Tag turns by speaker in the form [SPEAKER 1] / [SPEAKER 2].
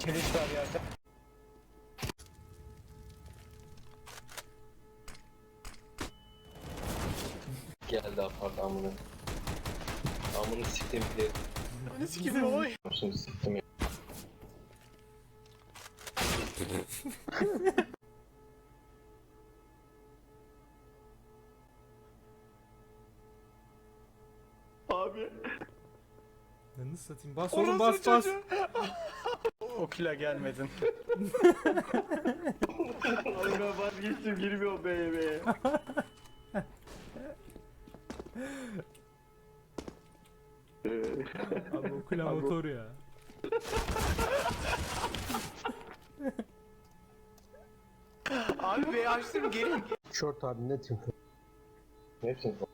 [SPEAKER 1] Filiz var yerde.
[SPEAKER 2] Geldi apart amına. Amını siktim diye.
[SPEAKER 3] Ne sikimi oy.
[SPEAKER 2] Şimdi siktim ya.
[SPEAKER 3] Abi.
[SPEAKER 4] Yanını satayım. Bas oğlum, bas bas.
[SPEAKER 1] Okula gelmedin.
[SPEAKER 3] Abi ben vazgeçtim, girmiyorum be.
[SPEAKER 4] Abi okula motor ya.
[SPEAKER 3] Abi be açtım, gelin.
[SPEAKER 5] Short abi net info.
[SPEAKER 2] Ne yapayım?